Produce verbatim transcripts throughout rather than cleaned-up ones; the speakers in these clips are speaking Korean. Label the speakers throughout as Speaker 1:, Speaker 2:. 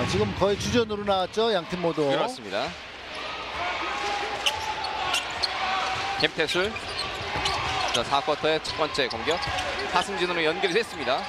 Speaker 1: 지금 거의 주전으로 나왔죠, 양팀 모두.
Speaker 2: 그렇습니다. 김태술. 자, 사 쿼터의 첫 번째 공격. 하승진으로 연결이 됐습니다.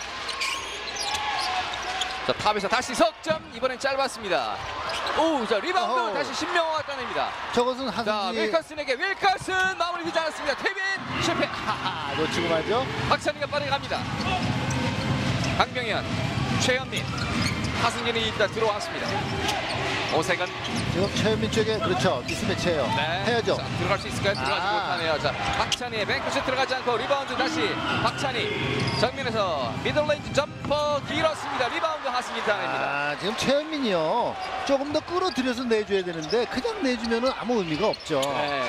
Speaker 2: 자, 탑에서 다시 석점. 이번엔 짧았습니다. 오, 자, 리바운드
Speaker 1: 어허.
Speaker 2: 다시 신명호가 따냅니다.
Speaker 1: 저것은
Speaker 2: 자,
Speaker 1: 하승진.
Speaker 2: 윌커슨에게 윌커슨 마무리 되지 않았습니다. 케빈 실패.
Speaker 1: 하하, 놓치고 말죠.
Speaker 2: 박찬희가 빠르게 갑니다. 강병현, 최현민, 하승진이 일단 들어왔습니다. 오세근.
Speaker 1: 지금 최현민 쪽에 그렇죠, 미스매치예요.
Speaker 2: 네.
Speaker 1: 해야죠.
Speaker 2: 자, 들어갈 수 있을까요? 들어가지
Speaker 1: 아.
Speaker 2: 못하네요. 자, 박찬희의 뱅크슛 들어가지 않고 리바운드 다시 박찬희. 정면에서 미들레인지 점퍼 길었습니다. 리바운드 하승진 따냅니다.
Speaker 1: 아, 지금 최현민이요, 조금 더 끌어들여서 내줘야 되는데 그냥 내주면은 아무 의미가 없죠.
Speaker 2: 네.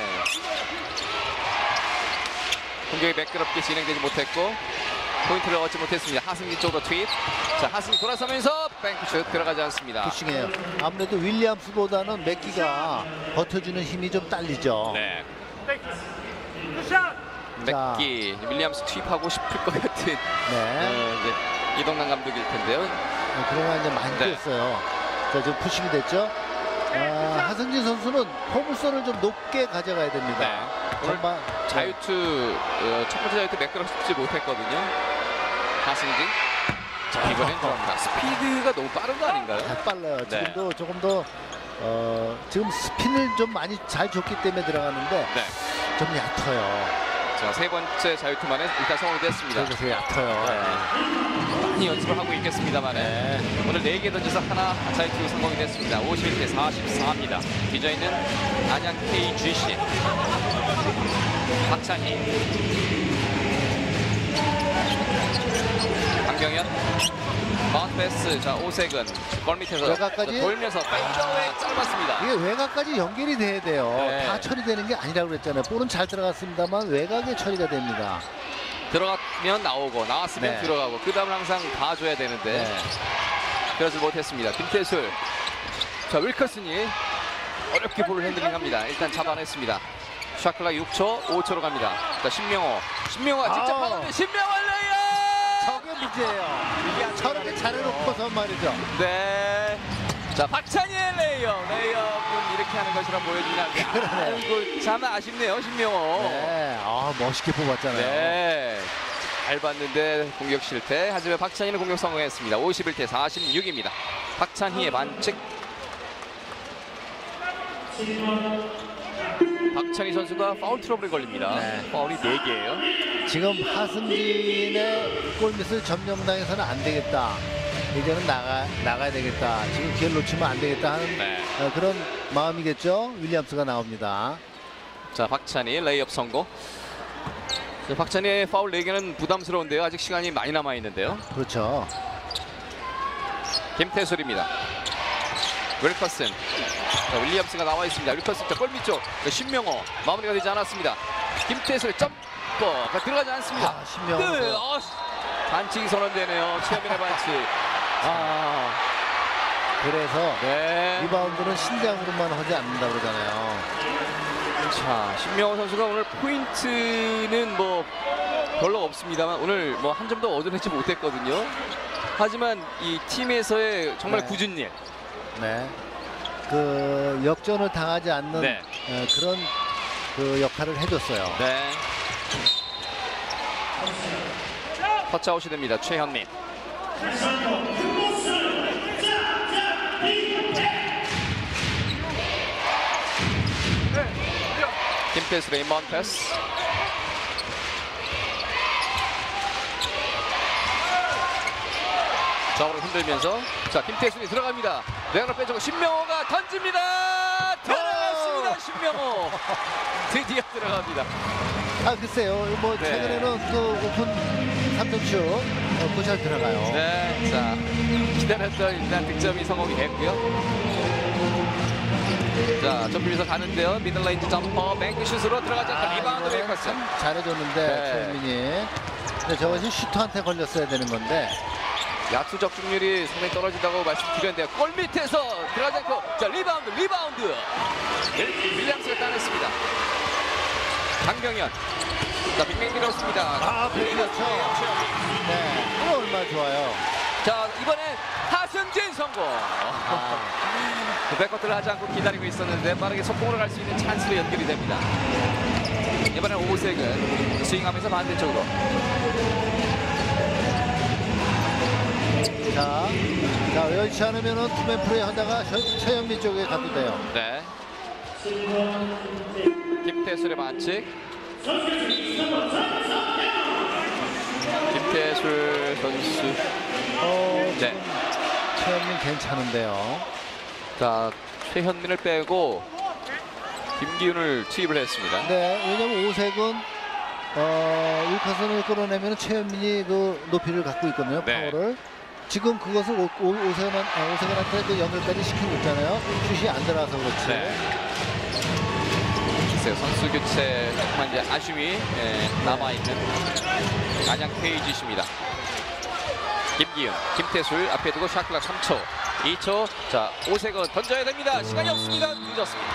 Speaker 2: 공격이 매끄럽게 진행되지 못했고 포인트를 얻지 못했습니다. 하승진 쪽으로 트윗. 자, 하승진 돌아서면서 뱅크슛 들어가지 않습니다.
Speaker 1: 푸싱해요. 아무래도 윌리엄스보다는 맥기가 버텨주는 힘이 좀 딸리죠.
Speaker 2: 네.
Speaker 1: 자.
Speaker 2: 맥기 윌리엄스 투입하고 싶을 것 같은
Speaker 1: 네.
Speaker 2: 어, 이제 이동남 감독일 텐데요.
Speaker 1: 네, 그러나 이제 많이
Speaker 2: 네.
Speaker 1: 뛰었어요. 자, 지금 푸싱이 됐죠. 아, 하승진 선수는 포물선을 좀 높게 가져가야 됩니다.
Speaker 2: 네. 오늘
Speaker 1: 전반
Speaker 2: 자유투 어, 첫 번째 자유투 매끄럽지 못했거든요. 하승진. 자, 이번엔 들어갑니다. 스피드가 너무 빠른 거 아닌가요?
Speaker 1: 잘 빨라요.
Speaker 2: 네.
Speaker 1: 지금도 조금 더 어, 지금 스핀을 좀 많이 잘 줬기 때문에 들어가는데
Speaker 2: 네.
Speaker 1: 좀 얕아요.
Speaker 2: 자, 세 번째 자유투만에 일단 성공이 됐습니다.
Speaker 1: 그래서 얕아요.
Speaker 2: 네. 많이 연습을 하고 있겠습니다만
Speaker 1: 네.
Speaker 2: 오늘 네 개 던져서 하나 자유투 성공이 됐습니다. 오십일 대 사십사입니다. 뒤져있는 안양 케이지씨 박찬희, 강병현, 마운트 패스. 자, 오세근 골 밑에서
Speaker 1: 외곽까지?
Speaker 2: 돌면서 페이드웨이 짧았습니다.
Speaker 1: 이게 외곽까지 연결이 돼야 돼요.
Speaker 2: 네.
Speaker 1: 다 처리되는 게 아니라고 그랬잖아요. 볼은 잘 들어갔습니다만 외곽에 처리가 됩니다.
Speaker 2: 들어가면 나오고 나왔으면
Speaker 1: 네.
Speaker 2: 들어가고 그 다음은 항상 봐줘야 되는데
Speaker 1: 네.
Speaker 2: 그러지 못했습니다. 김태술. 자, 윌커슨이 어렵게 볼을 핸들링합니다. 일단 잡아냈습니다. 샤클락 육 초, 오 초로 갑니다. 자, 신명호. 신명호가 직접
Speaker 1: 아.
Speaker 2: 받았는데 신명호 레이업!
Speaker 1: 저게 문제예요. 저렇게 잘해놓고서 말이죠.
Speaker 2: 네. 자, 박찬희의 레이업. 레이업은 이렇게 하는 것이라 보여주냐. 아이고, 참 아쉽네요, 신명호.
Speaker 1: 네, 아, 멋있게 뽑았잖아요.
Speaker 2: 네. 잘 봤는데 공격 실패. 하지만 박찬희는 공격 성공했습니다. 오십일 대 사십육입니다. 박찬희의 반칙. 박찬희 선수가 파울 트러블에 걸립니다.
Speaker 1: 네.
Speaker 2: 파울이 네 개예요.
Speaker 1: 지금 하승진의 골밑을 점령당해서는 안 되겠다. 이제는 나가, 나가야 되겠다. 지금 기회를 놓치면 안 되겠다 하는
Speaker 2: 네.
Speaker 1: 어, 그런 마음이겠죠. 윌리엄스가 나옵니다.
Speaker 2: 자, 박찬희 레이업 성공. 자, 박찬희의 파울 네 개는 부담스러운데요. 아직 시간이 많이 남아 있는데요.
Speaker 1: 그렇죠.
Speaker 2: 김태술입니다. 윌커슨. 자, 윌리엄스가 나와 있습니다. 윌커슨 골밑 쪽. 자, 신명호 마무리가 되지 않았습니다. 김태술 점퍼가 들어가지 않습니다.
Speaker 1: 아, 신명호.
Speaker 2: 네, 어, 반칙이 선언되네요. 최현민의 반칙. 아,
Speaker 1: 그래서
Speaker 2: 네.
Speaker 1: 리바운드는 신장으로만 하지 않는다 그러잖아요.
Speaker 2: 자, 신명호 선수가 오늘 포인트는 뭐 별로 없습니다만 오늘 뭐 한 점도 얻어내지 못했거든요. 하지만 이 팀에서의 정말
Speaker 1: 네.
Speaker 2: 굳은 일.
Speaker 1: 네. 그 역전을 당하지 않는
Speaker 2: 네.
Speaker 1: 어, 그런 그 역할을 해줬어요.
Speaker 2: 네. 터치아웃이 됩니다. 최현민. 김태술의 인바운드 패스. 좌우로 흔들면서 자, 김태술이 들어갑니다. 내가 빼주고 신명호가 던집니다. 들어갔습니다. 신명호. 드디어 들어갑니다.
Speaker 1: 아, 글쎄요. 뭐
Speaker 2: 네.
Speaker 1: 최근에는 그 오픈 삼 점슛 어, 그거 잘 들어가요.
Speaker 2: 네, 자, 기다렸던 일단 득점이 성공이 됐고요. 자, 좁히면서 가는데요. 미들레인지 점퍼, 뱅크슛으로 들어가지 않고
Speaker 1: 아,
Speaker 2: 리바운드
Speaker 1: 이거는
Speaker 2: 메이커스.
Speaker 1: 참 잘해줬는데
Speaker 2: 네.
Speaker 1: 최민이. 근데 저것이 슈터한테 걸렸어야 되는 건데.
Speaker 2: 야투 적중률이 상당히 떨어진다고 말씀드렸는데요. 골 밑에서 들어가지 않고 자, 리바운드, 리바운드. 윌- 윌리엄스가 따냈습니다. 강병현. 자, 빅맥 밀었습니다.
Speaker 1: 아, 그렇죠. 네, 이거 얼마나 좋아요.
Speaker 2: 자, 이번엔 하승진 승진 성공.
Speaker 1: 아,
Speaker 2: 그 백커트를 하지 않고 기다리고 있었는데 빠르게 속공으로 갈 수 있는 찬스로 연결이 됩니다. 이번엔 오색은 스윙하면서 반대쪽으로.
Speaker 1: 자, 자 여의치 않으면은 투맨 플레이 하다가 셔- 최영민 쪽에 가도 돼요.
Speaker 2: 네. 김태술의 반칙. 김태술 선수.
Speaker 1: 어,
Speaker 2: 네.
Speaker 1: 지금 최영민 괜찮은데요.
Speaker 2: 자, 최현민을 빼고 김기훈을 투입을 했습니다.
Speaker 1: 네, 왜냐면 오색은 어, 일 컷선을 끌어내면 최현민이 그 높이를 갖고 있거든요.
Speaker 2: 네.
Speaker 1: 파워를. 지금 그것을 오, 오, 오색은, 아, 오색은한테 그 연결까지 시키고 있잖아요. 슛이 안 들어가서 그렇지.
Speaker 2: 네. 글쎄요, 선수 교체 조금만 이제 아쉬움이 예, 남아있는 안양 케이지십니다. 김기훈, 김태술 앞에 두고 샷클락 삼 초, 이 초. 자, 오색은 던져야 됩니다. 시간이 없습니다. 늦었습니다.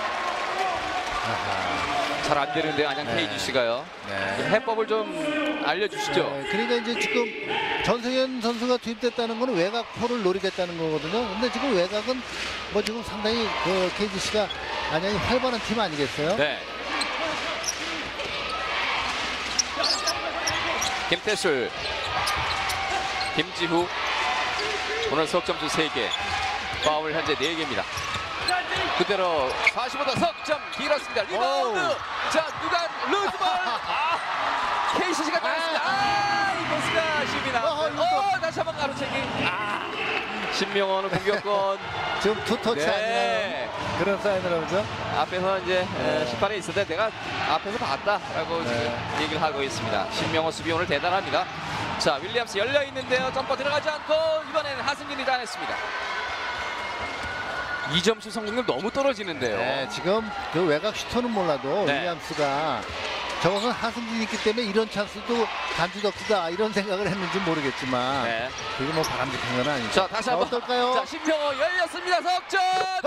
Speaker 2: 잘 안 되는데 안양
Speaker 1: 네.
Speaker 2: 케이지씨가요.
Speaker 1: 네.
Speaker 2: 해법을 좀 알려주시죠.
Speaker 1: 네, 그러니까 이제 지금 전승현 선수가 투입됐다는 거는 외곽포를 노리겠다는 거거든요. 근데 지금 외곽은 뭐 지금 상당히 그 케이지씨가 안양이 활발한 팀 아니겠어요?
Speaker 2: 네. 김태술, 김지후 오늘 석점수 세 개, 파울 현재 네 개입니다. 그대로 사십오 도 석점 길었습니다. 리바운드.
Speaker 1: 오우.
Speaker 2: 자, 누가 루즈볼. 아, 케이씨씨가 나왔습니다. 아, 이 패스가 아쉬움이
Speaker 1: 어허,
Speaker 2: 나왔어요.
Speaker 1: 이거.
Speaker 2: 어, 다시 한번 가로채기. 아, 신명원은 공격권.
Speaker 1: 지금 투터치
Speaker 2: 네.
Speaker 1: 아니에요? 그런 사인을 하죠.
Speaker 2: 앞에서 이제
Speaker 1: 네.
Speaker 2: 심판에 있을 때 내가 앞에서 봤다라고
Speaker 1: 네.
Speaker 2: 지금 얘기를 하고 있습니다. 신명호 수비 오늘 대단합니다. 자, 윌리엄스 열려 있는데요. 점퍼 들어가지 않고 이번에는 하승진이 따냈습니다. 이 점슛 성공률 너무 떨어지는데요.
Speaker 1: 네, 지금 그 외곽 슈터는 몰라도
Speaker 2: 네.
Speaker 1: 윌리엄스가 저것은 하승진이 있기 때문에 이런 찬스도 단추덕수다 이런 생각을 했는지 모르겠지만
Speaker 2: 네.
Speaker 1: 그게 뭐 바람직한 건 아니죠.
Speaker 2: 자, 다시 한번.
Speaker 1: 어떨까요?
Speaker 2: 자, 신명호 열렸습니다. 석점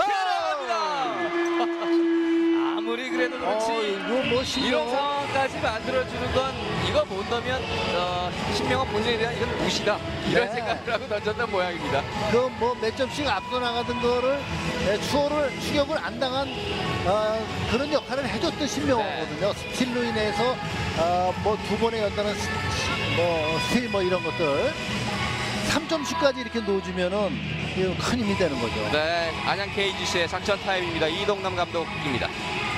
Speaker 2: 들어갑니다. 아무리 그래도 그렇지.
Speaker 1: 어, 이거 뭐
Speaker 2: 이런
Speaker 1: 신경
Speaker 2: 상황까지 만들어주는 건 이거 못 넣으면 어, 신명호 본인에 대한 이건 무시다. 이런
Speaker 1: 네.
Speaker 2: 생각을 하고 던졌던 모양입니다.
Speaker 1: 그 뭐 몇 점씩 앞서 나가던 거를 네, 추월을 추격을 안 당한 어, 그런 역할을 해줬던 신명호거든요. 스틸로 인해서 어, 뭐 두 번에 연달은 스, 뭐 스틸 뭐 이런 것들 삼 점씩까지 이렇게 놓아주면은 이거 큰 힘이 되는 거죠.
Speaker 2: 네, 안양 케이지씨의 작전 타임입니다. 이동남 감독입니다.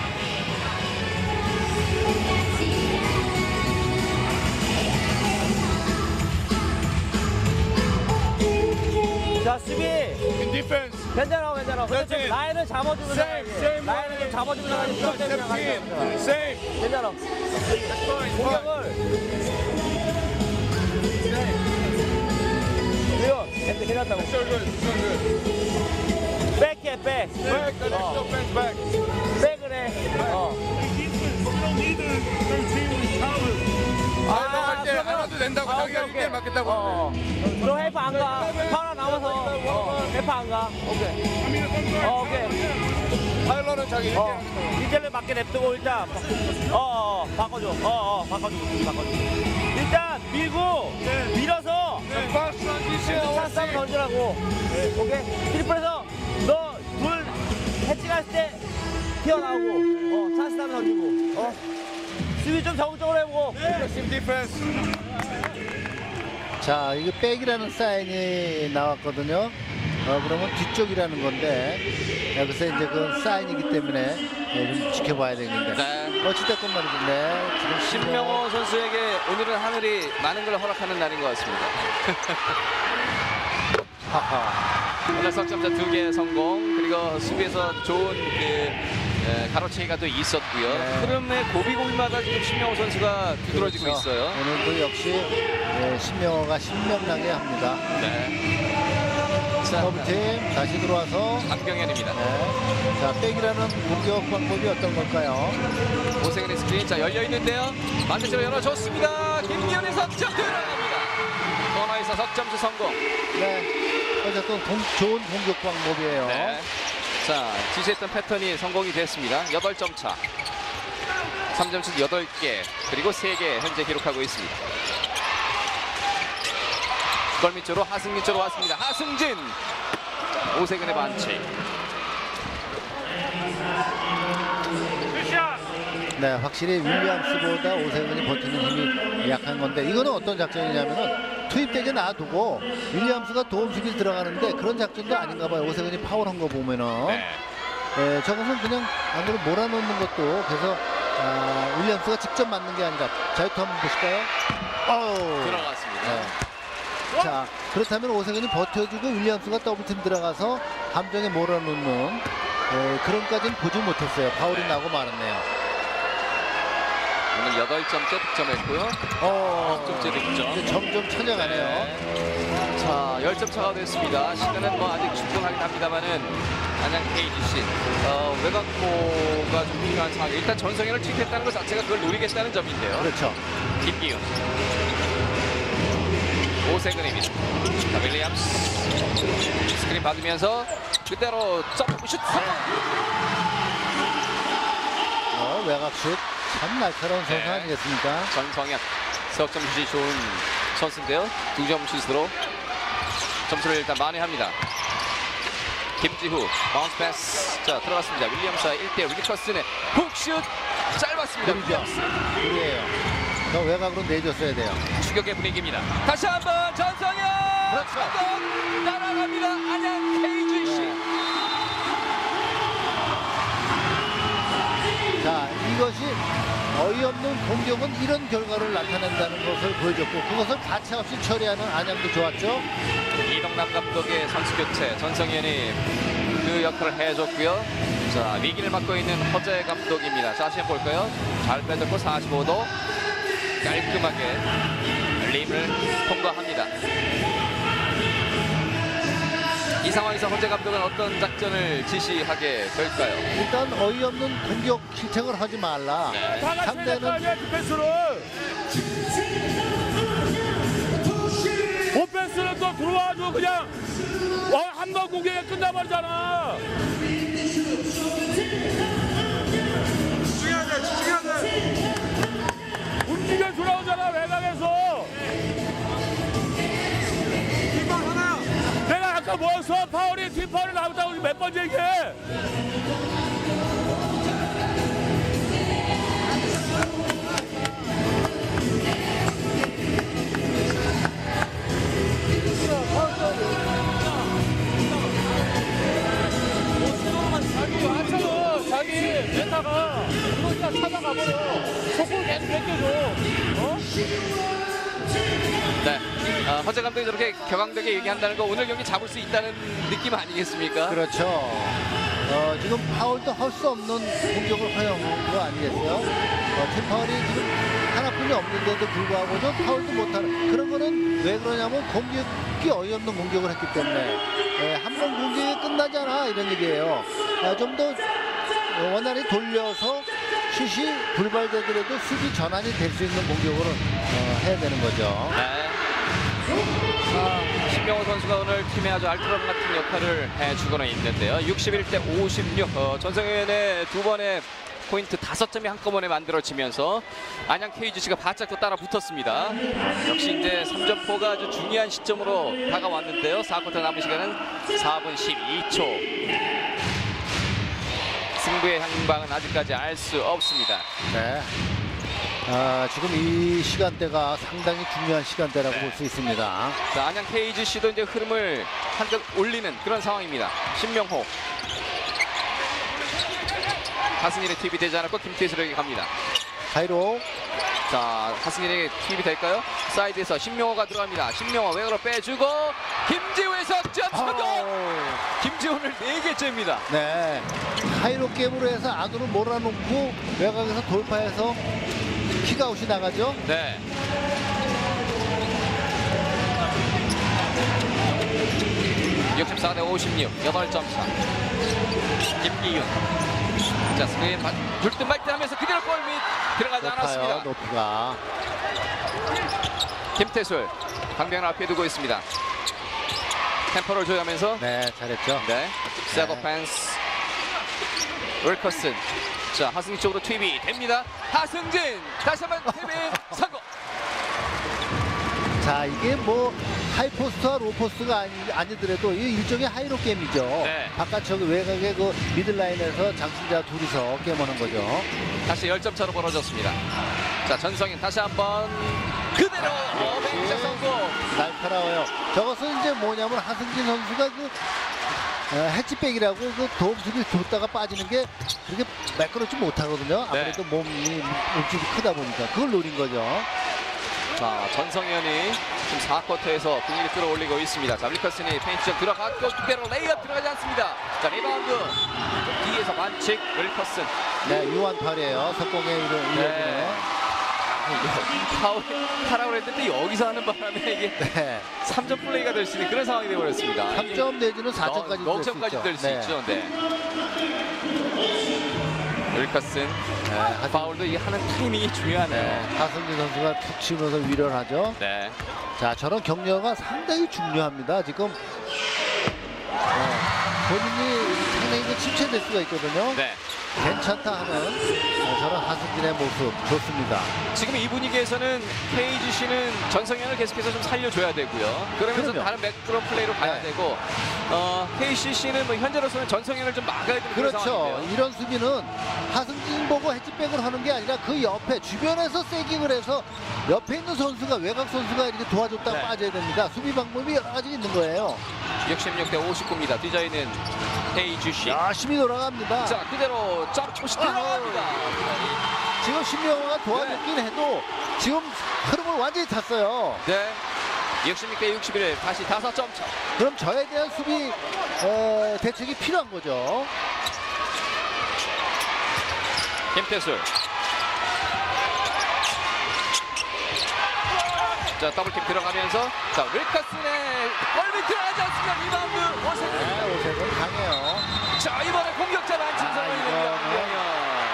Speaker 3: 자 수비 괜찮아 괜찮아 근데 좀 라인을 잡아주면 나가지 라인을 좀 잡아주면 나가지 수업 때문에 나가지 괜찮아 공격을 이거 괜찮- 괜찮다고 백해 백 어. 백을 해어
Speaker 4: 아, 때 하나도 된다고 자기가 일 대 맞겠다고
Speaker 3: 어. 너 헬프 안 가. 하나 남아서 어. 헬프 안 가. 오케이. 어, 오케이.
Speaker 4: 파일럿은 자기
Speaker 3: 어. 이제를 맞게 냅두고 일단 어, 어, 어 바꿔줘. 어, 어, 바꿔줘. 바꿔줘. 일단 밀고 밀어서
Speaker 4: 파스 트랜지션
Speaker 3: 찬스 한번 던지라고. 오케이. 트리플에서 너 둘 해치갔을 때 튀어나오고 어, 찬스 한번 던지고. 어. 수비 좀 적극적으로 해보고.
Speaker 4: 팀 디펜스
Speaker 1: 자, 이게 백이라는 사인이 나왔거든요. 어, 그러면 뒤쪽이라는 건데 여기서 이제 그 사인이기 때문에 네, 좀 지켜봐야 되는데.
Speaker 2: 네.
Speaker 1: 어찌됐건 말이죠. 네, 지금
Speaker 2: 신명호 선수에게 오늘은 하늘이 많은 걸 허락하는 날인 것 같습니다.
Speaker 1: 하하.
Speaker 2: 오늘 석점차 두 개 성공, 그리고 수비에서 좋은 그 에, 가로채기가 또 있었고요.
Speaker 1: 네.
Speaker 2: 흐름의 고비고비마다 지금 신명호 선수가 두드러지고
Speaker 1: 그렇죠.
Speaker 2: 있어요.
Speaker 1: 오늘도 역시 네, 신명호가 신명나게 합니다.
Speaker 2: 네. 자,
Speaker 1: 더블팀 다시 들어와서
Speaker 2: 강병현입니다.
Speaker 1: 네. 자, 백이라는 공격 방법이 어떤 걸까요?
Speaker 2: 오세근의 스크린 자 열려 있는데요. 반대쪽으로 열어줬습니다. 김기현의 석점 들어갑니다. 코너에서 석점수 성공.
Speaker 1: 네. 어쨌든 동, 좋은 공격 방법이에요.
Speaker 2: 네. 자, 지시했던 패턴이 성공이 됐습니다. 여덟 점 차. 삼 점슛 여덟 개, 그리고 세 개 현재 기록하고 있습니다. 골밑 쪽으로 하승진 쪽으로 왔습니다. 하승진 오세근의 반칙.
Speaker 1: 네, 확실히 윌리엄스보다 오세근이 버티는 힘이 약한 건데 이거는 어떤 작전이냐면은 투입되게 놔두고 윌리엄스가 도움 수비 들어가는데 그런 작전도 아닌가 봐요. 오세근이 파울한 거 보면은
Speaker 2: 네.
Speaker 1: 네, 저것은 그냥 안으로 몰아넣는 것도 그래서 아, 윌리엄스가 직접 맞는 게 아니라 자유투 한번 보실까요? 어우.
Speaker 2: 들어갔습니다.
Speaker 1: 네. 자, 그렇다면 오세근이 버텨주고 윌리엄스가 더블팀 들어가서 함정에 몰아넣는 네, 그런까지는 보지 못했어요. 파울이
Speaker 2: 네.
Speaker 1: 나고 말았네요.
Speaker 2: 오늘 여덟 점째 득점했고요.
Speaker 1: 어,
Speaker 2: 점 째 득점.
Speaker 1: 이제 점점 찾아가네요.
Speaker 2: 네. 자, 십 점 차가 됐습니다. 시간은 뭐 아직 충분하긴 합니다만은 안양 케이지씨 어, 외곽포가 좀 필요한 상황. 일단 전성현을 투입했다는 것 자체가 그걸 노리겠다는 점인데요.
Speaker 1: 그렇죠.
Speaker 2: 김기훈, 오세근입니다. 자, 윌리엄스 스크린 받으면서 그대로 점프슛 성공.
Speaker 1: 어, 외곽슛 참 날카로운 선수
Speaker 2: 네.
Speaker 1: 아니겠습니까?
Speaker 2: 전성현 석점 슛이 좋은 선수인데요. 두 점 슛으로 점수를 일단 만회합니다. 김지후 바운스 패스 자 들어갔습니다. 윌리엄스와 일 대 일 리커슨의 훅슛 짧았습니다.
Speaker 1: 느리죠?
Speaker 2: 윌리엄스
Speaker 1: 우리예요. 더 외곽으로 내줬어야 돼요.
Speaker 2: 추격의 분위기입니다. 다시 한번 전성현
Speaker 1: 그렇죠.
Speaker 2: 성공 날아갑니다. 안양 케이지씨.
Speaker 1: 자, 이것이 어이없는 공격은 이런 결과를 나타낸다는 것을 보여줬고 그것을 가차없이 처리하는 안양도 좋았죠.
Speaker 2: 이동남 감독의 선수 교체 전성현이 그 역할을 해줬고요. 자 위기를 맡고 있는 허재 감독입니다. 자, 다시 한번 볼까요? 잘 빼줬고 사십오 도 깔끔하게 림을 통과합니다. 이 상황에서 허재 감독은 어떤 작전을 지시하게 될까요?
Speaker 1: 일단 어이없는 공격 실책을 하지 말라.
Speaker 2: 네.
Speaker 1: 상대는
Speaker 3: 디펜스를 오펜스는 또 들어와가지고 그냥 한 번 공격에 끝나버리잖아. 움직여 돌아오잖아 외곽에서. 내가 아까 뭐였어? 파울이 팀 파울이 나왔다고 몇 번째 얘기해? 자기 하찮아. 자기 메타가 그러니까 찾아가버려. 속을 계속 뺏겨줘. 어?
Speaker 2: 네, 어, 허재 감독이 저렇게 격앙되게 얘기한다는 거 오늘 경기 잡을 수 있다는 느낌 아니겠습니까?
Speaker 1: 그렇죠. 어, 지금 파울도 할 수 없는 공격을 허용한 거 아니겠어요? 어, 팀 파울이 지금 하나뿐이 없는데도 불구하고 좀 파울도 못하는 그런 거는 왜 그러냐면 공격이 어이없는 공격을 했기 때문에 예, 한 번 공격이 끝나잖아 이런 얘기예요. 아, 좀 더 원활히 돌려서 슛이 불발되더라도 수비 전환이 될 수 있는 공격으로 어, 해야 되는 거죠.
Speaker 2: 네. 아, 신명호 선수가 오늘 팀에 아주 알트럼 같은 역할을 해주고는 있는데요. 육십일 대 오십육. 어, 전성현의 두 번의 포인트 다섯 점이 한꺼번에 만들어지면서 안양 케이지씨가 바짝 또 따라 붙었습니다. 역시 이제 삼 점포가 아주 중요한 시점으로 다가왔는데요. 사 쿼터 남은 시간은 사 분 십이 초. 승부의 향방은 아직까지 알 수 없습니다.
Speaker 1: 네. 아, 지금 이 시간대가 상당히 중요한 시간대라고
Speaker 2: 네.
Speaker 1: 볼 수 있습니다.
Speaker 2: 자, 안양 케이지씨도 이제 흐름을 한껏 올리는 그런 상황입니다. 신명호. 하승일의 투입이 되지 않았고 김태수에게 갑니다.
Speaker 1: 가이로.
Speaker 2: 자, 하승일에게 투입이 될까요? 사이드에서 신명호가 들어갑니다. 신명호 외곽으로 빼주고 김지우의 석점 성공!
Speaker 1: 아우.
Speaker 2: 김지우 오늘 네 개째입니다.
Speaker 1: 네. 가이로 게임으로 해서 안으로 몰아놓고 외곽에서 돌파해서 킥아웃이 나가죠.
Speaker 2: 네. 육십사 대 오십육, 여덟 점 차. 김기윤. 자, 스크린 불듯 말듯 하면서 그대로 골밑 들어가지
Speaker 1: 높아요,
Speaker 2: 않았습니다.
Speaker 1: 높이가.
Speaker 2: 김태술, 강병을 앞에 두고 있습니다. 템포를 조여하면서
Speaker 1: 네, 잘했죠.
Speaker 2: 네, 세버 펜스, 윌커슨. 자, 하승진 쪽으로 투입이 됩니다. 하승진 다시 한번 투입 성공.
Speaker 1: 자, 이게 뭐 하이포스트와 로포스트가 아니, 아니더라도 이 일종의 하이로 게임이죠.
Speaker 2: 네.
Speaker 1: 바깥 저기 외곽의 그 미들라인에서 장신자 둘이서 게임하는 거죠.
Speaker 2: 다시 열 점 차로 벌어졌습니다. 자, 전성인 다시 한번 그대로 어벤져 성공.
Speaker 1: 날카로워요. 저것은 이제 뭐냐면 하승진 선수가 그 어, 해치백이라고 그 도움수를 줬다가 빠지는 게 그렇게 매끄럽지 못하거든요. 아무래도 몸이 몸집이 크다 보니까 그걸 노린 거죠.
Speaker 2: 자, 전성현이 지금 사 쿼터에서 분위기를 끌어올리고 있습니다. 자, 윌커슨이 페인트전 들어갔고 그대로 레이업 들어가지 않습니다. 자, 리바운드 뒤에서 반칙 윌커슨.
Speaker 1: 네, 유한 팔이에요. 석공에 이런
Speaker 2: 네. 파울 하라고 했는데 여기서 하는 바람에 이게
Speaker 1: 네.
Speaker 2: 삼 점 플레이가 될 수 있는 그런 상황이 되어버렸습니다.
Speaker 1: 삼 점 내지는 사 점까지
Speaker 2: 넉 점까지 될 수
Speaker 1: 네.
Speaker 2: 있죠. 네. 윌커슨
Speaker 1: 네,
Speaker 2: 파울도 이게 하는 타이밍이 중요하네요.
Speaker 1: 네, 하승진 선수가 툭 치면서 위를 하죠.
Speaker 2: 네.
Speaker 1: 자, 저런 격려가 상당히 중요합니다. 지금 어, 본인이 상당히 그 침체될 수가 있거든요.
Speaker 2: 네.
Speaker 1: 괜찮다 하는 어, 저런 하승진의 모습 좋습니다.
Speaker 2: 지금 이 분위기에서는 케이지씨는 전성현을 계속해서 좀 살려줘야 되고요. 그러면서
Speaker 1: 그럼요.
Speaker 2: 다른 매끄러운 플레이로 가야
Speaker 1: 네.
Speaker 2: 되고 어, 케이씨씨는 뭐 현재로서는 전성현을 좀 막아야 되는 그런
Speaker 1: 그렇죠.
Speaker 2: 상황인데요.
Speaker 1: 이런 수비는 하승진 보고 해치백을 하는 게 아니라 그 옆에 주변에서 세깅을 해서 옆에 있는 선수가 외곽 선수가 이렇게 도와줬다가
Speaker 2: 네.
Speaker 1: 빠져야 됩니다. 수비 방법이 여러 가지 있는 거예요.
Speaker 2: 육십육 대 오십구입니다. 뒤져있는 케이지씨.
Speaker 1: 열심히 돌아갑니다.
Speaker 2: 자, 그대로 점프시 들어갑니다.
Speaker 1: 지금 신명호가 도와줬긴 해도 지금 흐름을 완전히 탔어요.
Speaker 2: 네. 육십육 대 육십일 다시 다섯 점 차.
Speaker 1: 그럼 저에 대한 수비 어, 대책이 필요한 거죠.
Speaker 2: 김태술. 자, 더블킥 들어가면서 자, 윌커슨의 골밑 들어가지 않습니다. 리바운드 오세근.
Speaker 1: 네, 오세근 강해요.
Speaker 2: 자, 이번에 공격자 만침
Speaker 1: 아,
Speaker 2: 성공입니다.
Speaker 1: 이거는.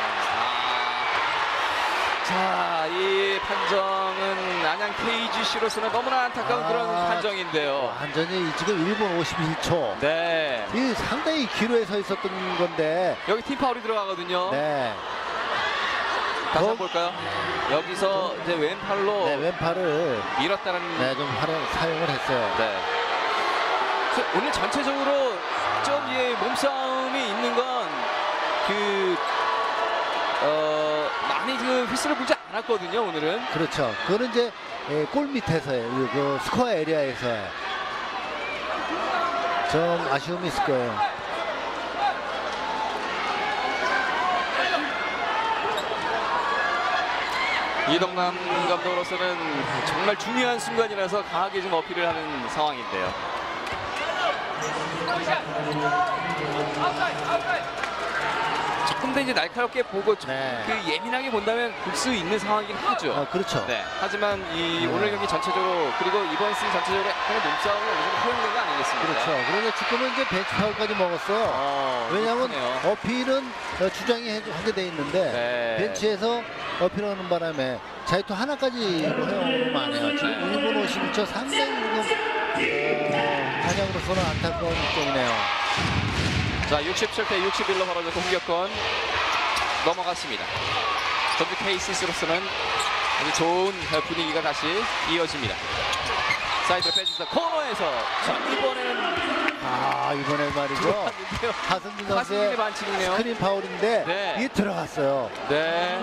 Speaker 2: 자, 이 판정은 안양 케이지씨로서는 너무나 안타까운
Speaker 1: 아,
Speaker 2: 그런 판정인데요.
Speaker 1: 완전히 지금 일 분 오십일 초.
Speaker 2: 네.
Speaker 1: 이 상당히 기로에 서 있었던 건데.
Speaker 2: 여기 팀 파울이 들어가거든요.
Speaker 1: 네.
Speaker 2: 다시
Speaker 1: 어?
Speaker 2: 한번 볼까요? 여기서 이제 왼팔로
Speaker 1: 네, 왼팔을
Speaker 2: 밀었다는.
Speaker 1: 네, 좀 활용, 사용을 했어요.
Speaker 2: 네. 그래서 오늘 전체적으로 좀 예, 몸싸움이 있는 건 그 어, 많이 그 휘슬을 불지 않았거든요. 오늘은.
Speaker 1: 그렇죠. 그거는 이제 예, 골 밑에서의 그, 그 스코어 에리아에서의 좀 아쉬움이 있을 거예요.
Speaker 2: 이동남 감독으로서는 정말 중요한 순간이라서 강하게 좀 어필을 하는 상황인데요. 조금 더 이제 날카롭게 보고 좀
Speaker 1: 네.
Speaker 2: 그 예민하게 본다면 볼 수 있는 상황이긴 하죠.
Speaker 1: 어, 그렇죠.
Speaker 2: 네. 하지만 이
Speaker 1: 네.
Speaker 2: 오늘 경기 전체적으로 그리고 이번 시즌 전체적으로 약간의 몸싸움을 어느 정도 허용된 거 아니겠습니까?
Speaker 1: 그렇죠. 그런데 지금은 이제 벤치 파울까지 먹었어요.
Speaker 2: 어,
Speaker 1: 왜냐하면
Speaker 2: 그렇네요.
Speaker 1: 어필은 어, 주장이 해- 하게 돼 있는데
Speaker 2: 네.
Speaker 1: 벤치에서 어필하는 바람에 자유투 하나까지 허용을 안 해요. 지금
Speaker 2: 네.
Speaker 1: 일 분 오십일 초 상당히 지금 어, 한양으로서는 안타까운 일정이네요.
Speaker 2: 자, 육십칠 대 육십일로 벌어져 공격권 넘어갔습니다. 전주 케이씨씨로서는 아주 좋은 분위기가 다시 이어집니다. 사이드로 빼주면서 코너에서 자, 이번에는
Speaker 1: 아, 이번에 말이죠.
Speaker 2: 들어갔는데요.
Speaker 1: 하승진
Speaker 2: 하승진의
Speaker 1: 선수의
Speaker 2: 반칙이네요.
Speaker 1: 스크린 파울인데
Speaker 2: 네.
Speaker 1: 이게 들어갔어요.
Speaker 2: 네.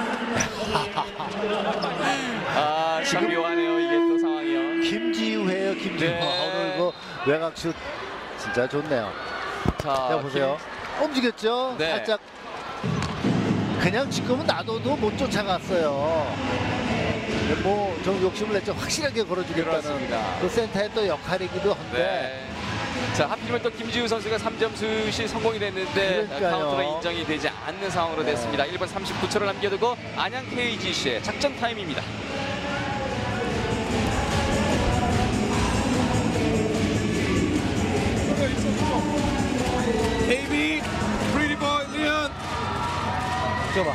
Speaker 2: 아, 참 묘하네요. 이게 또 상황이요.
Speaker 1: 김지우예요, 김지우.
Speaker 2: 네.
Speaker 1: 오늘 그 외곽슛 진짜 좋네요.
Speaker 2: 자,
Speaker 1: 자, 보세요. 움직였죠?
Speaker 2: 네.
Speaker 1: 살짝. 그냥 지금은 놔둬도 못 쫓아갔어요. 뭐, 좀 욕심을 냈죠. 확실하게 걸어주겠다는
Speaker 2: 그렇습니다.
Speaker 1: 그 센터의 또 역할이기도 한데.
Speaker 2: 네. 자, 하필이면 또 김지우 선수가 삼 점 슛이 성공이 됐는데
Speaker 1: 그러니까요.
Speaker 2: 카운터가 인정이 되지 않는 상황으로
Speaker 1: 네.
Speaker 2: 됐습니다. 일 분 삼십구 초를 남겨두고 안양 케이지씨의 작전 타임입니다.
Speaker 4: 케이비, Pretty Boy, Leon.
Speaker 1: 줘봐.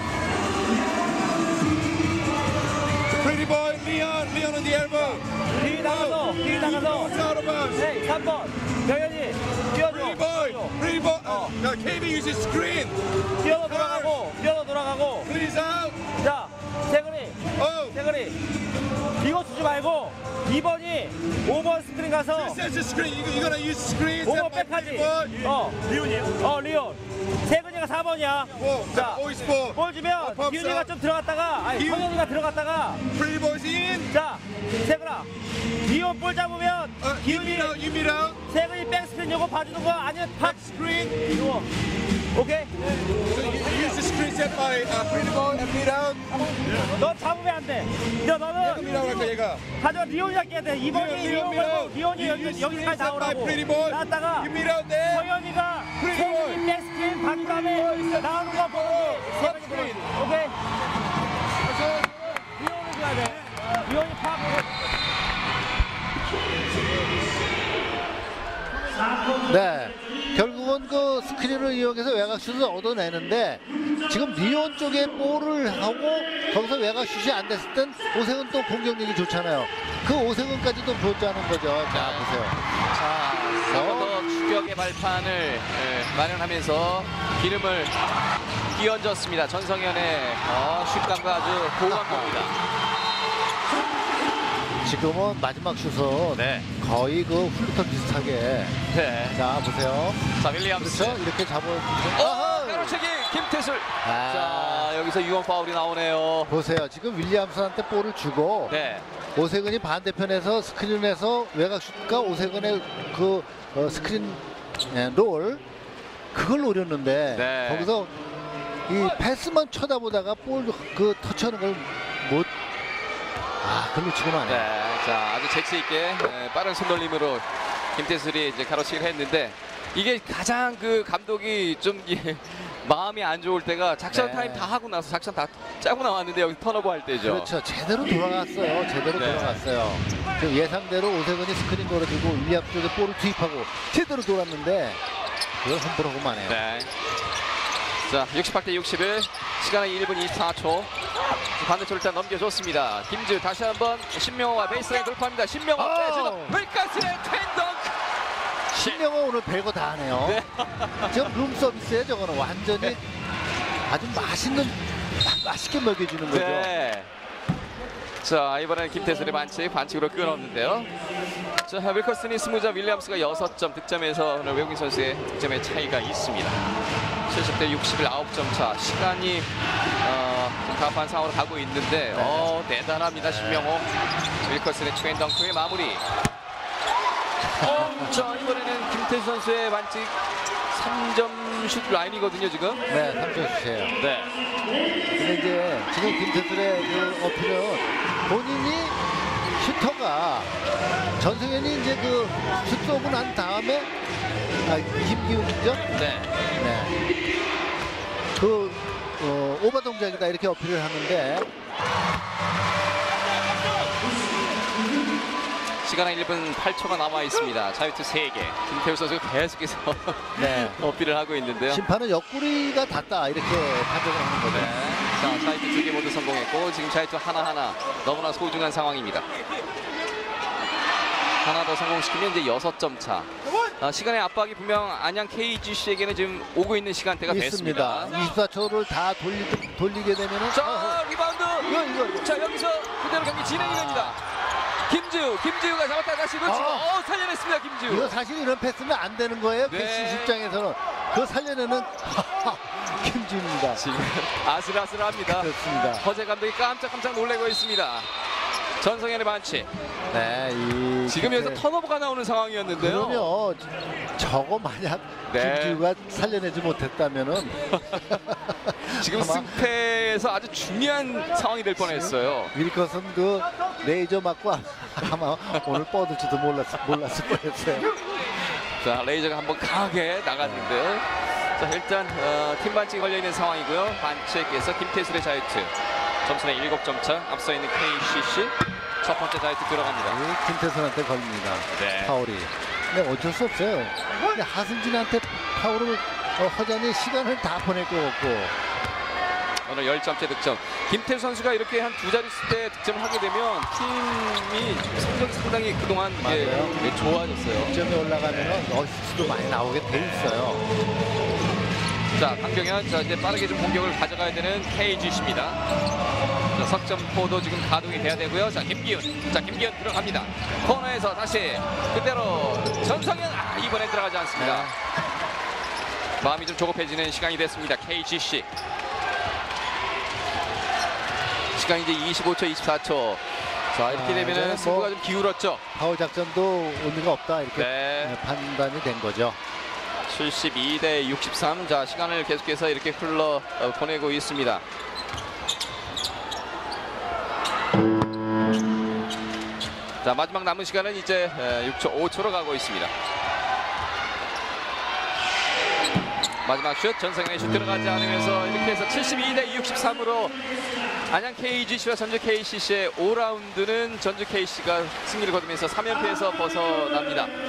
Speaker 4: Pretty Boy, Leon. Leon on the elbow.
Speaker 3: 뒤 나가서 뒤 나가서
Speaker 4: It's out of bounds.
Speaker 3: 네, 삼 번 병현이 뛰어줘
Speaker 4: Pretty Boy, Pretty Boy.
Speaker 3: 어.
Speaker 4: Now, 케이비 uses screen.
Speaker 3: 뛰어서 돌아가고 뛰어서 돌아가고
Speaker 4: Please out.
Speaker 3: 자 세근이,
Speaker 4: Oh,
Speaker 3: 세근이. 이거 주지 말고 이 번이 오 번 스크린 가서
Speaker 4: this is the screen. You, you're gonna use screens.
Speaker 3: 오 번
Speaker 4: and my
Speaker 3: 백하지.
Speaker 4: pretty boy.
Speaker 3: 어. 리온이에요? 어, 리온. 세근이가 사 번이야.
Speaker 4: Four.
Speaker 3: 자,
Speaker 4: Always four.
Speaker 3: 볼 주면
Speaker 4: 어, 펌프.
Speaker 3: 기훈이가 좀 들어갔다가, 아니,
Speaker 4: 기훈.
Speaker 3: 성현이가 들어갔다가,
Speaker 4: Pretty boys in.
Speaker 3: 자, 세근아. 리온 볼 잡으면
Speaker 4: Uh, you
Speaker 3: 기훈이,
Speaker 4: meet out. You meet out.
Speaker 3: 세근이 백스크린 요거 봐주는 거 아니면 팍
Speaker 4: Screen.
Speaker 3: 이거. 오케이?
Speaker 4: So you use the screen set by uh, pretty boy and meet out.
Speaker 3: 너 잡으면 안 돼. 너
Speaker 4: 얘가
Speaker 3: 너는
Speaker 4: meet out 할까 얘가.
Speaker 3: 가져 리온이 잡게 돼. 이 번이
Speaker 4: 리온,
Speaker 3: 리온
Speaker 4: 리온,
Speaker 3: 말고
Speaker 4: 리온.
Speaker 3: 리온이 여기,
Speaker 4: You use
Speaker 3: 여기까지
Speaker 4: screen set by
Speaker 3: 나오라고.
Speaker 4: pretty boy.
Speaker 3: 나왔다가
Speaker 4: You meet out there.
Speaker 3: 성현이가
Speaker 4: Pretty boy.
Speaker 3: 세근이 백스크린 반 다음에 나오는 거 보는 게 세근이 보는
Speaker 4: screen.
Speaker 3: 거. 오케이? 리온을 줘야 돼. 리온이 팍.
Speaker 1: 네, 결국은 그 스크린을 이용해서 외곽슛을 얻어내는데 지금 리온 쪽에 볼을 하고 거기서 외곽슛이 안 됐을 땐 오세근 또 공격력이 좋잖아요. 그 오세근까지도 보자는 거죠. 자, 보세요.
Speaker 2: 자, 서버 추격의 발판을 예, 마련하면서 기름을 끼얹었습니다. 전성현의 어, 슛감과 아주 고강도입니다.
Speaker 1: 지금은 마지막 슛은
Speaker 2: 네.
Speaker 1: 거의 그 훌루터 비슷하게.
Speaker 2: 네.
Speaker 1: 자, 보세요.
Speaker 2: 자, 윌리엄스.
Speaker 1: 그렇죠? 이렇게 잡아.
Speaker 2: 어, 가로채기 김태술.
Speaker 1: 아.
Speaker 2: 자, 여기서 유언 파울이 나오네요.
Speaker 1: 보세요. 지금 윌리엄슨한테 볼을 주고
Speaker 2: 네.
Speaker 1: 오세근이 반대편에서 스크린에서 외곽슛과 오세근의 그 어, 스크린 예, 롤 그걸 노렸는데
Speaker 2: 네.
Speaker 1: 거기서 이 패스만 쳐다보다가 볼 그 터치하는 걸 못 아, 글로 치고 마네.
Speaker 2: 네. 자, 아주 재치 있게 예, 빠른 손놀림으로 김태술이 이제 가로채기를 했는데 이게 가장 그 감독이 좀 예, 마음이 안 좋을 때가 작전
Speaker 1: 네.
Speaker 2: 타임 다 하고 나서 작전 다 짜고 나왔는데 여기 턴오버 할 때죠.
Speaker 1: 그렇죠. 제대로 돌아갔어요. 제대로
Speaker 2: 네.
Speaker 1: 돌아갔어요. 그 예상대로 오세근이 스크린 걸어주고 윌리엄 쪽에 볼을 투입하고 제대로 돌았는데 그걸 함부로 하고 마네요.
Speaker 2: 네. 자, 육십팔 대 육십일. 시간은 일 분 이십사 초. 반대쪽을 일단 넘겨줬습니다. 김지우 다시 한번 신명호와 베이스라인 돌파합니다. 신명호
Speaker 1: 오!
Speaker 2: 빼주고 윌카스의 텐덩크.
Speaker 1: 신명호 오늘 별거 다 하네요.
Speaker 2: 네.
Speaker 1: 지금 룸서비스에 저거는 완전히 아주 맛있는 맛있게 먹여주는 거죠.
Speaker 2: 네. 자, 이번에는 김태술의 반칙, 반칙으로 끊었는데요. 자, 윌커슨이 스무 점, 윌리엄스가 여섯 점 득점에서 오늘 외국인 선수의 득점의 차이가 있습니다. 칠십 대 육십일 아홉 점 차. 시간이 어, 좀 답한 상황으로 가고 있는데 어, 대단합니다. 신명호. 윌커슨의 트윈덩크의 마무리. 어, 자, 이번에는 김태수 선수의 반칙 삼 점 슛 라인이거든요, 지금.
Speaker 1: 네, 삼 점 슛이에요.
Speaker 2: 네.
Speaker 1: 근데 이제 지금 김태술의 그 어필은 본인이 슈터가 전승현이 이제 그 슛 쏘고 난 다음에 아, 김기훈이죠?
Speaker 2: 네.
Speaker 1: 네. 그 어, 오버 동작이다 이렇게 어필을 하는데
Speaker 2: 시간은 일 분 팔 초가 남아 있습니다. 자유투 세 개. 김태우 선수가 계속해서
Speaker 1: 네.
Speaker 2: 어필을 하고 있는데요.
Speaker 1: 심판은 옆구리가 닿다 이렇게 판정을 하는 거죠.
Speaker 2: 네. 자, 자유투 두 개 모두 성공했고 지금 자유투 하나하나 너무나 소중한 상황입니다. 하나 더 성공시키면 이제 여섯 점 차. 아, 시간의 압박이 분명 안양 케이지씨에게는 지금 오고 있는 시간대가 됐습니다.
Speaker 1: 있습니다. 이십사 초를 다 돌리, 돌리게 되면은
Speaker 2: 자, 리바운드.
Speaker 1: 이거 이거 이거.
Speaker 2: 자, 여기서 그대로 경기 진행이 됩니다. 김지우, 김지우가 잡았다 다시 놓치고
Speaker 1: 아.
Speaker 2: 어, 살려냈습니다. 김지우.
Speaker 1: 이거 사실 이런 패스는 안 되는 거예요.
Speaker 2: 네.
Speaker 1: 패스 입장에서는 그 살려내는 김지훈입니다.
Speaker 2: 지금 아슬아슬합니다.
Speaker 1: 그렇습니다.
Speaker 2: 허재 감독이 깜짝깜짝 놀래고 있습니다. 전성현의 반칙.
Speaker 1: 네, 이
Speaker 2: 지금 여기서
Speaker 1: 김태-
Speaker 2: 턴오버가 나오는 상황이었는데요.
Speaker 1: 그러면 저거 만약
Speaker 2: 네.
Speaker 1: 김지우가 살려내지 못했다면은
Speaker 2: 지금
Speaker 1: 아마
Speaker 2: 승패에서 아주 중요한 상황이 될 뻔했어요.
Speaker 1: 윌컷은 그 레이저 맞고 아마 오늘 뻗을지도 몰랐, 몰랐을 뻔했어요.
Speaker 2: 자, 레이저가 한번 강하게 나갔는데요. 자, 일단 어, 팀 반칙이 걸려있는 상황이고요. 반칙에서 김태술의 자유투. 점수는 일곱 점 차. 앞서 있는 케이씨씨. 첫 번째 자유투 들어갑니다.
Speaker 1: 이 김태선한테 걸립니다.
Speaker 2: 네.
Speaker 1: 파울이. 근데 어쩔 수 없어요. 근데 하승진한테 파울을 어, 허전히 시간을 다 보낼 것 같고.
Speaker 2: 오늘 십 점째 득점. 김태수 선수가 이렇게 한 두 자릿수 때 득점을 하게 되면 팀이 성적이 상당히 그동안 예,
Speaker 1: 맞아요.
Speaker 2: 예, 좋아졌어요.
Speaker 1: 득점이 올라가면 어시스트도 많이 나오게 돼 있어요.
Speaker 2: 자, 강경현. 자, 이제 빠르게 좀 공격을 가져가야 되는 케이지씨입니다. 자, 석점포도 지금 가동이 돼야 되고요. 자, 김기훈. 자, 김기훈 들어갑니다. 코너에서 다시 그대로 전성현. 아, 이번에 들어가지 않습니다. 마음이 좀 조급해지는 시간이 됐습니다. 케이지씨. 시간이 이제 이십오 초, 이십사 초. 자, 이렇게
Speaker 1: 아,
Speaker 2: 되면은
Speaker 1: 이제는
Speaker 2: 승부가
Speaker 1: 뭐
Speaker 2: 좀 기울었죠.
Speaker 1: 파울 작전도 의미가 없다 이렇게
Speaker 2: 네.
Speaker 1: 네, 판단이 된 거죠.
Speaker 2: 칠십이 대 육십삼. 자, 시간을 계속해서 이렇게 흘러 어, 보내고 있습니다. 자, 마지막 남은 시간은 이제 에, 육 초, 오 초로 가고 있습니다. 마지막 슛, 전성현의 슛 들어가지 않으면서 이렇게 해서 칠십이 대 육십삼으로 안양 케이지씨와 전주 케이씨씨의 오 라운드는 전주 케이씨가 승리를 거두면서 삼 연패에서 벗어납니다.